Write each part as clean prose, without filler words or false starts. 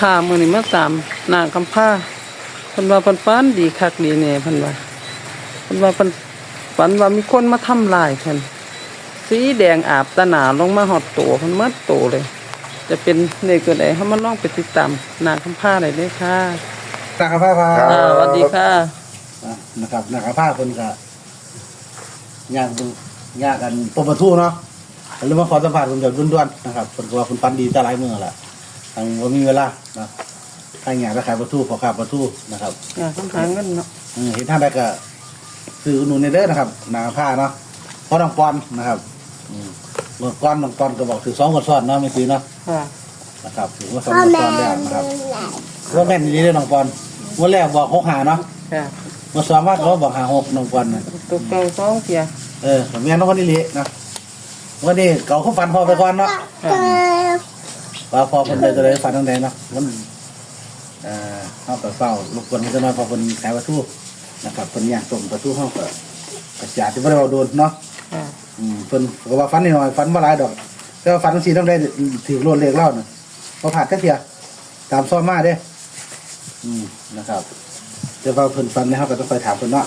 ค่ะมื้อนี้มาตามนางคำผ้าเพิ่นว่าเพิ่นฝันดีคักดีแน่เพิ่นว่าเพิ่นฝันว่ามีคนมาทำลายเพิ่นสีแดงอาบตาหนาลงมาฮอดตัวเพิ่นหมดตัวเลย จะเป็นเลขตัวใดเฮามาลองไปติดตามนางคำผ้าได้เลยค่ะนะครับผ้าสวัสดีค่ะนะครับนะครับผ้าคนก็ยากยากกันปมประทูเนาะหรือว่าขอสัมผัสคนเดียวด้วนๆนะครับคนก็ว่าคนฟันดีแต่หลายมือแหละทางว่ามีเวลานะถ้าอยากจะขายประทูขอขายประทูนะครับต้องหาเงินเนาะเห็นท่านได้ก็ซื้อหนุนในเด้อนะครับนาผ้าเนาะเพราะน้องปอนนะครับเมื่อก้อนน้องปอนก็บอกถือ2 คนซ้อนเนาะไม่ซื้อเนาะนะครับถือว่า2 คนซ้อนได้นะครับว่าแม่นนี้เลยน้องปอนวันแรกบอก6 หาเนาะมาสอนว่าเขาบอก5 6น้องปอนนะตุกเก่า2เที่ยแม่น้องคนนี้เละนะวันนี้เก่าเขาฟันพอไปก่อนเนาะว่าพอคนใดจะได้ฟันตั้งแต่เนาะมันเขาแต่เฝ้าลูกคนมันจะน้อยพอคนขายประตูนะครับคนย่างส่งประตูห้องก็กระจาดที่ไม่ได้เอาโดนเนาะคนก็ว่าฟันนิดหน่อยฟันมาหลายดอกแต่ว่าฟันทั้ง4ต้องได้ถือโลดเล็กเล่าเนาะพอผ่านก็เทียตามซ้อมมาเด้นะครับเดี๋ยวพอเพิ่นฟันนะครับก็ต้องไปถามเพิ่นเนาะ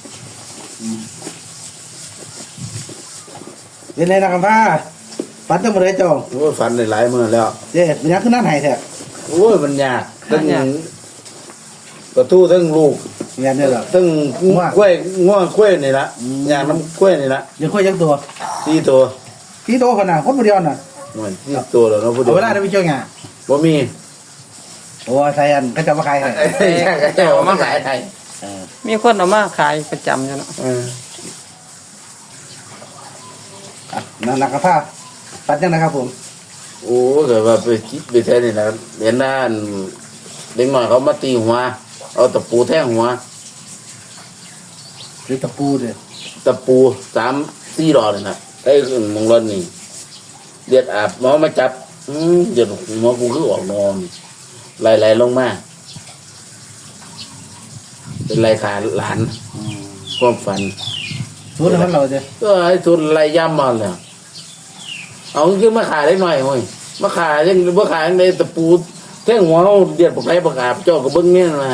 เป็นไงนะครับพ่อฟันจะมาได้จองโอ้ฟันหลายมื้อแล้วเจ๊มันยังขึ้นนั่นไหนแท้โอ้ยมันยากทั้งประตูทั้งลูกเนี่ยเนี่ยหรอทั้งกล้วยง่วงกล้วยนี่ละยางน้ำกล้วยนี่ละยังกล้วยยังตัว 4 ตัว 4 ตัวขนาดคนเดียวน่ะมัน4 ตัวแล้วเนาะผู้เดียวเวลาได้ไปเจ้าหงาบ่มีโอ้ใส่อันก็จะมาขายให้เอามาขายให้มีคนเอามาขายประจำอยู่เนาะนั่นนะครับพ่อฟันยังนะครับผมโอ้ก็ว่าไปแท้นี่นะเห็นหน้าเด็กน้อยเขามาตีหัวเอาตะปูแทงหัวหรือตะปูเด้อตะปู3-4 ดอกนี่นะไอ้มงรถนี่เลือดอาบหมอมาจับเดี๋ยวหมอกูคือออกนอนไหลลงมาเป็นไรขาหลานความฝันทุนมันเราเด้ก็ไอ้ทุนไรย่ำมาเลยเอาขึ้นมาขายได้หน่อยเว้ยมาขายยังมาขายในตะปูแท่งหัวเดือดปกไรประกาศเจ้ากับเบิ้งเนี่ยมา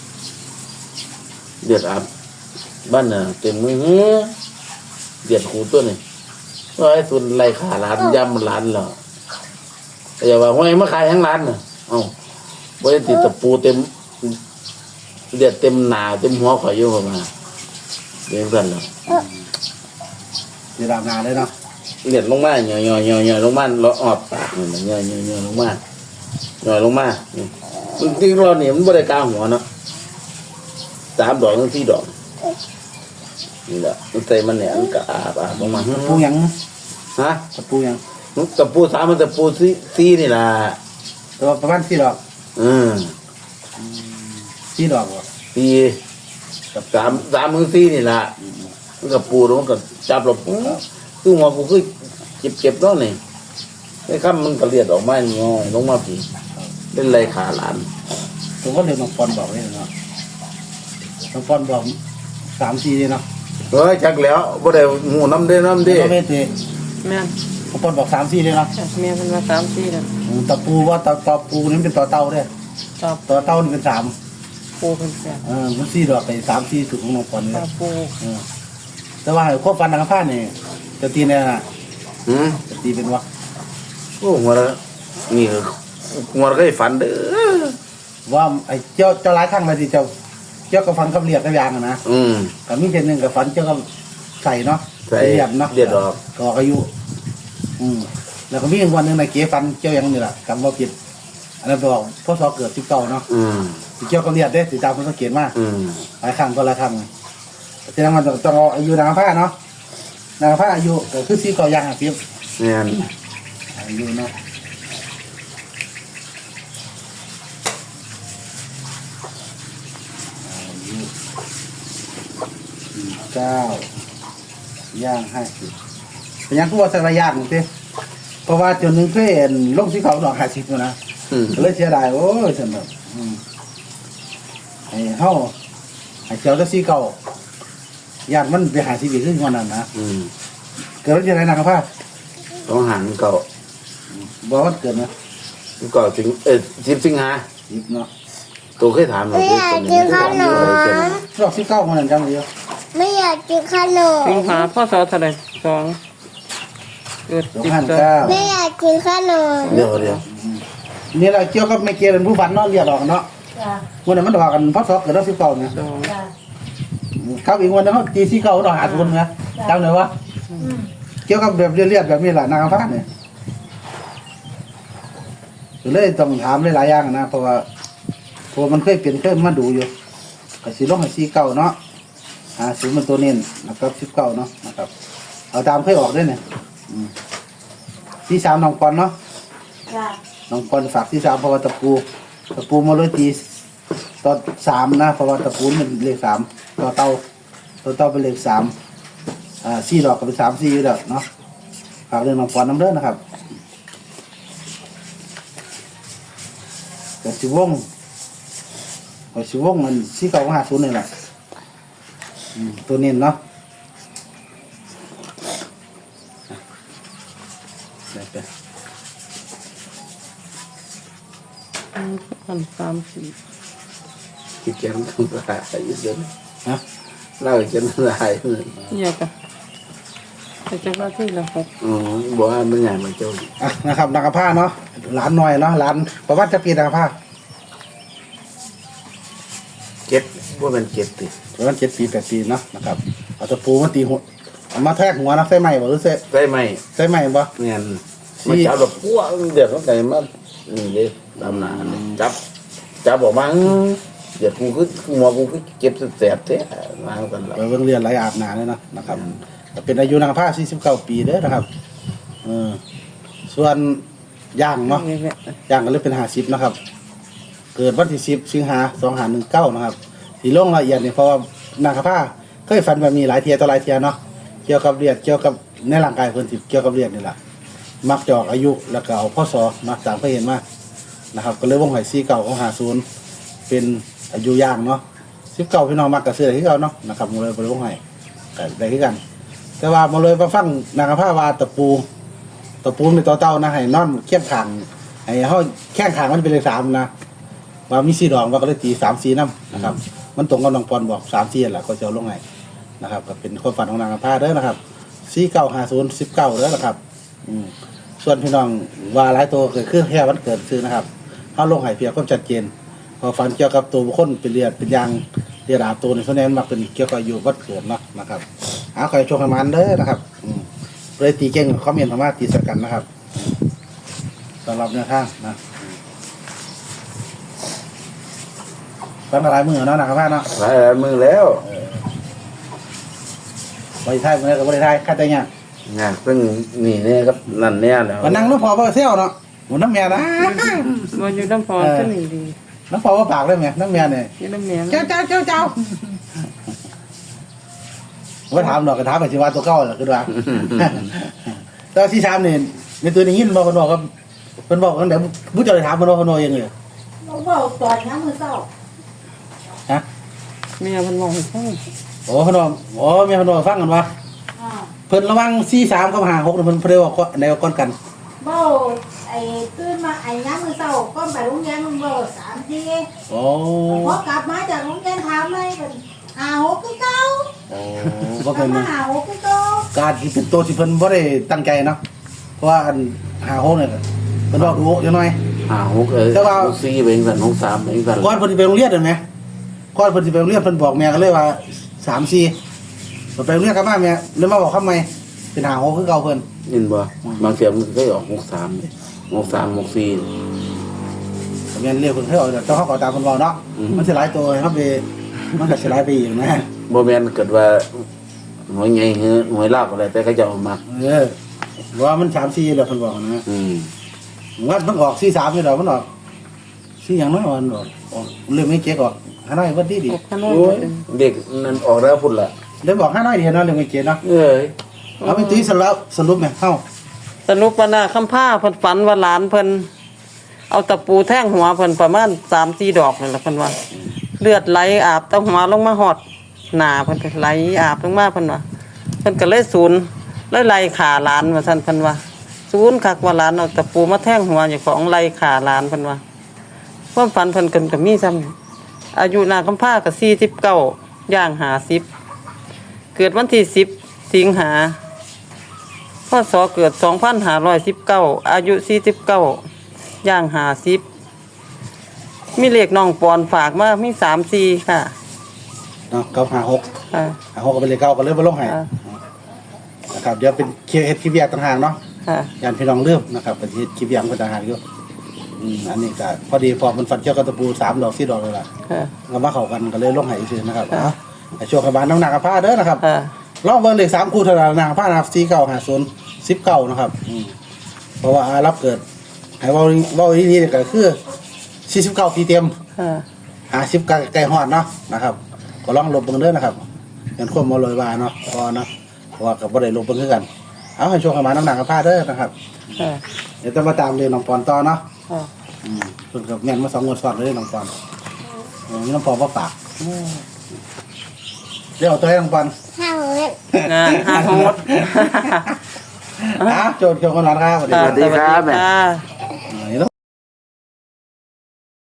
เดือดอาบบ้านน่ะเต็มมือเดือดหูตัวนี่ก็ไอ้ทุนไรขาหลานย่ำหลานเหรอแต่อย่าว่าไงมาขายทั้งร้านน่ะเอาไว้ติดตะปูเต็มเดือดเต็มหนาเต็มหัวข่อยอยู่มาเรื่องนั้นเหรอเดี๋ยวดำนาเลยเนาะเดือดลงมาหย่อลงมาเราออบปากมันหย่อลงมาหย่อลงมาจริงๆเราเนี่ยมันบริการหัวเนาะ3 ดอกถึง4 ดอกนี่แหละมันใส่มันเนี่ยมันก็อาบลงมาตะปูยังฮะตะปูยังตะปู3มันตะปู4นี่ล่ะตัวประมาณ4 ดอก4 ดอก 4กับ3ถึง4นี่ล่ะมันก็ปูแล้วมันก็จับลงคือหัวกูคือเจ็บแล้วนี่ไอ้คำมันก็เลียดออกมาง่อยลงมาผีเป็นไรขาหลานผมก็เลยน้องปอนบอกเลยเนาะน้องปอนบอก3-4เลยเนาะจักแล้วบ่ได้หูน้ำเด้แม่นน้องปอนบอก3-4เลยเนาะแม่เป็นว่า3-4แล้วตะปูว่าตะปูนี่เป็นต่อเต่าเด้ต่อเต่านี่เป็น3 ปูเป็น 3มัน4 ดอกไป3-4สุดของน้องปอนเลยปูแต่ว่าควบฟันทางผ้าเนี่ยจะตีเนี่ยนะจะตีเป็นวะโอ้หัวละนี่หัวละก็ฝันเด้อว่าไอ้เจ้าหลายครั้งเลยที่เจ้ากับฟันกับเลียดกับยางนะกับมีเช่นหนึ่งกับฟันเจ้ากับใส่เนาะเลียดเนาะเลียดออกก็อายุแล้วก็มีวันหนึ่งในเก๋ฟันเจ้ายังนี่แหละกำว่าผิดอันนั้นบอกพ่อสอเกิด19เนาะเจ้ากับเลียดเด้ติดตามมันสังเกตมากหลายครั้งก็หลายครั้งแต่ยังมันต้องอายุนางผ้าเนาะนางผ้าอายุก็คือ4 เก้ายางเพียบเนี่ยอายุเนาะ9 ย่าง 50เป็นยังตัวสักระยะหนึ่งสิเพราะว่าจนนึงเพื่อนลงที่เขาดอก50อยู่นะเลยเสียดายโอ้ยสำหรับไอ้เฮาไอ้เจ้าจะ4 เก้าญาติมันไปหาชีวิตขึ้นวันนั้นนะเกิดอะไรนะครับพ่อต้องหันเก่าบอกว่าเกิดนะเก็สิง10 สิงหายิบเนาะตัวเคยถามเราไม่อยากกินขนมรอบที่เก้ามันนั่นจังเลยไม่อยากกินขนมสิงหาพศเท่าไหร่2เกิดสองพันเก้าไม่อยากกินขนมเดี๋ยวนี่แหละเกี่ยวกับไม่เกี่ยวเป็นผู้ฝันเนาะเรียกออกเนาะจ้ะวันนั้นมันบอกกันพศเกิดรอบที่เก้าเนี่ย 2 จ้ะครับอีกวันนึงเขาตีที่เก้าเราหาคนนะจำเลยวะเกี่ยวกับแบบเรียบๆแบบนี้แหละนางฟ้าเนี่ยเลยต้องถามหลายๆอย่างนะเพราะว่ามันเคยมาดูอยู่ก็สิลงให้ซีเก้าเนาะศูนย์มันตัวเน้นนะครับ19เนาะนะครับเอาตามเคยออกด้วยเนี่ยที่3น้องปอนเนาะจ้ะน้องปอนฝากที่3เพราะว่าตะปูมาเลยตีตอน3นะเพราะว่าตะปูมันเลข3ต่อเต้าเป็นเลข34ดอกก็เป็น3 4อยู่แล้วเนาะฝากเรื่องน้องปอนน้ำเด้อนะครับแต่สิวงมัน4 9 5 0นี่แหละตัวนี้เนาะไป 3 คิดแกนทำลายเยอะนะเล่าจะละลาย 4เนี่ยก็แต่จังว่าที่ละ6 บอกว่ามันใหญ่มันเจ้านะครับนางกระพ้าเนาะหลานหน่อยเนาะหลานประวัติจะปีนางกระพ้าเก็ดว่ามันเก็ดติประมาณ7 ปี 8 ปีเนาะนะครับเอาตะปูมาตีหัวเอามาแทกหัวนะใส่ไม้บ่หรือใส่ได้ไหมใส่ไม้บ่เงี้ยมันจับแบบพวกเดือดเข้าใจมานี่เลยตามหนาจับออกมาเดือดกูคือหัวกูคือเก็บแสบแท้มากันแล้วไปเบิ่งเรียนหลายอาบน้ำเลยนะครับก็เป็นอายุนางกระพ้า49 ปีเด้อนะครับส่วนย่างเนาะนี่แหละย่างก็เลยเป็น50นะครับเกิดวันที่10 สิงหา2519นะครับสีลงละเอียดเนี่ยเพราะว่านางกระพ้าเคยฝันแบบมีหลายเทียต่อหลายเทียเนาะเกี่ยวกับเลือดเกี่ยวกับในร่างกายเพิ่นสิเกี่ยวกับเลือดนี่แหละมักจะออกอายุแล้วก็เอาพศมาตามเคยเห็นมานะครับก็เลยวงหอย49ของ50เป็นอายุย่างเนาะ19พี่น้องมักก็ซื้อได้คือเก่าเนาะนะครับมาเลยบ่ได้วงหอยก็ได้คือกัน แต่ว่ามาเลยมาฟังนางกระพ้าว่าตะปูเป็นตัวเต้านะให้นอนเคียงข้างให้เฮาแข้งข้างมันเป็นเลข3นะว่ามี4ดอกว่าก็เลยตี3 4นำนะครับมันตรงกับน้องปอนบอก3 4นั่นแหละก็จะเอาลงให้นะครับก็เป็นความฝันของนางกระพ้าเด้อนะครับ4950 19เด้อนะครับส่วนพี่น้องว่าหลายตัวเกิดขึ้นแค่วันเกิดซื้อนะครับเฮาลงให้เพียงความชัดเจนพอฝันเกี่ยวกับตัวบุคคลเป็นเลือดเป็นยางเลือดอาบตัวนี่ส่วนใหญ่มันมักเป็นเกี่ยวกับอายุวันเกิดเนาะนะครับขอให้โชคให้มันเด้อนะครับเลยตีเก่งคอมเมนต์ธรรมะตีสกันนะครับสำหรับแนวทางนะตั้งหลายมือเนาะนะครับพ่อเนาะหลายมือแล้วบริไทยมือกับบริไทยค่าใจเนี่ยงานเพิ่งนี่เนี่ยครับนั่นเนี่ยแล้วมานั่งน้ำพอเพื่อเที่ยวเนาะหมุนน้ำเมียนะบ่อยู่น้ำพอก็นี่ดีน้ำพอว่าปากได้ไหมน้ำเมียเนี่ยอยู่น้ำแม่เจ้าว่าถามหน่อยก็ถามไปสิว่าตัวเก้าเหรอคือว่าแต่ที่ถามเนี่ยในตัวนี้ยินบอกกันบอกครับเพิ่นบอกกันเดี๋ยวผู้เจ้าเลยถามเพิ่นว่าเพิ่นว่ายังไงบอกว่าตอนน้ำมือเศร้าฮะแม่เพิ่นบอกให้ฟังโอ้เพิ่นว่าเมียเพิ่นว่าฟังกันว่าอ่าเพิ่นระวัง43กับ56เพิ่นเพิ่นว่าก็ในก้อนกันเบ้าไอ้ตื่นมาไอ้น้ำมือเศร้าก็ไปโรงเรียนมึงเบ้า3 ทีโอ้พอกลับมาจากโรงเรียนถามเลยเป็น5 6คือเก่าบ่กลัเป็บนมา5 6คือเก่าการที่เป็นตัวที่เพิ่นบ่ได้ตั้งใจเนาะเพราะว่าอัน56เนี่ยเพิ่นบอกดูจังหน่อย 6 แต่ว่า 4เป็นกัน3เป็นกันก่อนเพิ่นสิไปโรงเรียนเห็นไหมก่อนเพิ่นสิไปโรงเรียนเพิ่นบอกแม่ก็เลยว่า3 4ไปโรงเรียนกลับมาแม่เลยมาบอกคำใหม่เป็น56คือเก่าเพิ่นยินบ่บางเสียมันก็ออก63 64 แม่นเรียกเพิ่นให้ออกแต่เฮาก็ตามเพิ่นเว้าเนาะมันสิหลายตัวเฮาไปมันก็สิหลายไปอีกนะบ่แม่นเกิดว่าหวยใหญ่หือหวยลาวก็ได้แต่เขาจะเอามาว่ามัน3 4แล้วเพิ่นบอกนะ ว่ามันออก43นี่ดอกมันออก4หยังน้อยมันออกเรื่องนี้เจ๊กออกหาน้อยว่าดีออกข้างนอกโอ้ยเด็กนั่นออกแล้วพุ่นล่ะได้บอกหาน้อยเดียวเนาะเรื่องนี้เจ๊เนาะเอ้ยเอาไปตีสรุปแม่เฮาสรุปว่าน่ะคำผ้าเพิ่นฝันว่าหลานเพิ่นเอาตะปูแทงหัวเพิ่นประมาณ3-4 ดอกนั่นแหละเพิ่นว่า เลือดไหลอาบตะหัวลงมาหอดหน้าเพิ่นก็ไหลอาบลงมาเพิ่นว่าเพิ่นก็เลยศูนย์ไล่ขาหลานว่าซั่นเพิ่นว่าศูนย์คักว่าหลานเอาตะปูมาแทงหัวเจ้าของไล่ขาหลานเพิ่นว่าความฝันเพิ่นก็มีซ้ำอายุนางคำพาก็49ย่าง50เกิดวันที่10สิงหาพศเกิด2519อายุ49ย่าง50มีเลขน้องปอนฝากมามี34ค่ะเนาะ956 ค่ะ 56ก็เป็นเลขเก่าก็เลยบ่ลงให้ค่ะนะครับเดี๋ยวเป็นเฮ็ดคลิปแยกต่างหากเนาะค่ะยานพี่น้องลืมนะครับก็สิเฮ็ดคลิปแยกต่างหากอยู่อันนี้ก็พอดีพอมันฟันเกี่ยวกับตะปู3 ดอก4 ดอกเลยล่ะค่ะก็มาเข้ากันก็เลยลงให้ซื่อนะครับค่ะให้โชคให้บ้านน้ำหนักกับผ้าเด้อนะครับค่ะลองเบิ่งเลข3คู่เท่านั้นหนักผ้านะครับ4950 19นะครับเพราะว่ารับเกิดให้เว้านี่ก็คือ49ปีเต็มค่ะ 50ใกล้ฮอดเนาะนะครับก็ลองลบเบิ่งเด้อนะครับเป็นความบ่ลอยว่าเนาะพอเนาะเพราะว่าก็บ่ได้ลบเบิ่งคือกันเอาให้โชคให้บ้านน้ำหนักกับผ้าเด้อนะครับค่ะเดี๋ยวจะมาตามเรียนน้องปอนต่อเนาะค่ะเพิ่นกับแม่นมา2 งวดซ้อนเลยน้องปอนมีน้องปอนมาฝากเดี๋ยวเอาตัวให้น้องปอนงานหาโหดโจทย์เกี่ยวกับนอนครับสวัสดีค่ะครับสวัสดีค่ะ